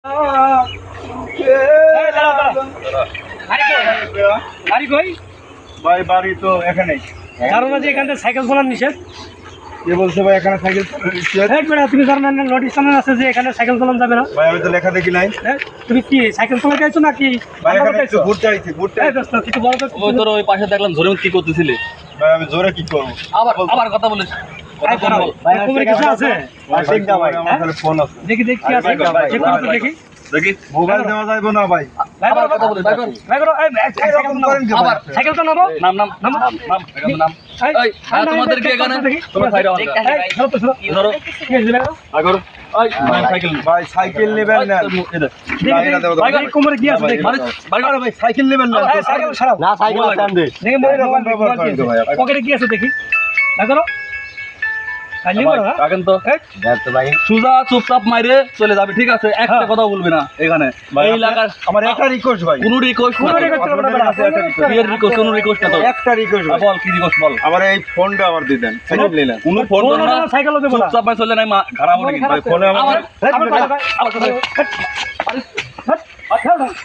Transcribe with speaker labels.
Speaker 1: ভাই বাড়ি তো এখানেই।
Speaker 2: জানো না যে এখান থেকে সাইকেল চালানো নিষেধ?
Speaker 1: কে বলছে ভাই এখানে সাইকেল
Speaker 2: তুমি জানো না নোটিশ টানানো আছে যে এখানে সাইকেল চালানো যাবে না?
Speaker 1: ভাই আমি তো লেখা দেখি নাই।
Speaker 2: তুমি কি সাইকেল চালাতে আইছো নাকি?
Speaker 1: ভাই এখানে একটু ঘুরতে আইছি, ঘুরতে
Speaker 2: এই দোস্ত কিছু বলো তো।
Speaker 3: ওই তোর ওই পাশে দেখলাম জরিমত কি করতেছিলে।
Speaker 1: ভাই আমি জোরে কি করব?
Speaker 3: আবার কথা বলিস।
Speaker 2: এই দাঁড়াও, ভাই তোমার কিছু আছে?
Speaker 1: ঠিক না ভাই, আমার কাছে ফোন আছে।
Speaker 2: দেখি দেখি কি আছে। চেক করো তো দেখি।
Speaker 3: দেখি
Speaker 1: মোবাইল দেওয়া যাবে না ভাই।
Speaker 3: আবার কথা বলিস।
Speaker 2: ভাই করো এই সাইকেল
Speaker 1: করেন কি ভাই?
Speaker 2: সাইকেল তো নামো।
Speaker 3: নাম নাম এই তোমাদের কি এখানে তোমরা সাইড আও।
Speaker 2: এই ধরো তো ধরো।
Speaker 3: ধরো
Speaker 2: কি হইছে দেখো?
Speaker 3: আগর ওই সাইকেল
Speaker 1: ভাই সাইকেল নেবেন না।
Speaker 2: ভাই কোমরে কি আছে দেখি।
Speaker 1: ভাই সাইকেল নেবেন না।
Speaker 2: এই সাইকেল ছাড়াও।
Speaker 1: না সাইকেল স্ট্যান্ড দে।
Speaker 2: দেখি মোবাইল
Speaker 1: এরকম ব্যবহার করেন তো ভাই আপনি।
Speaker 2: পকেটে কি আছে দেখি। ভাই করো। খালি করো না।
Speaker 3: রাখেন তো সুজা চুপচাপ মাইরে চলে যাবে, ঠিক আছে? একটা কথা বলবি না এখানে এই এলাকার।
Speaker 1: আমার একটা রিকোয়েস্ট ভাই।
Speaker 3: কোনো রিকোয়েস্ট
Speaker 2: কোনো request করবে না,
Speaker 3: বিয়ের রিকোয়েস্ট, কোনো রিকোয়েস্ট না তো।
Speaker 1: একটা রিকোয়েস্ট ভাই।
Speaker 3: বল কি রিকোয়েস্ট বল।
Speaker 1: আমার এই ফোনটা আমার দিয়ে দেন। সাইকেল নিলেন।
Speaker 3: কোনো ফোন
Speaker 2: কোনো
Speaker 3: না,
Speaker 2: সাইকেলও দেবো না।
Speaker 3: চুপচাপ মাই চলে নাই মা ঘাড়া পড়ে গেছে।
Speaker 1: ভাই ফোনে আমার
Speaker 3: আবার
Speaker 2: আবার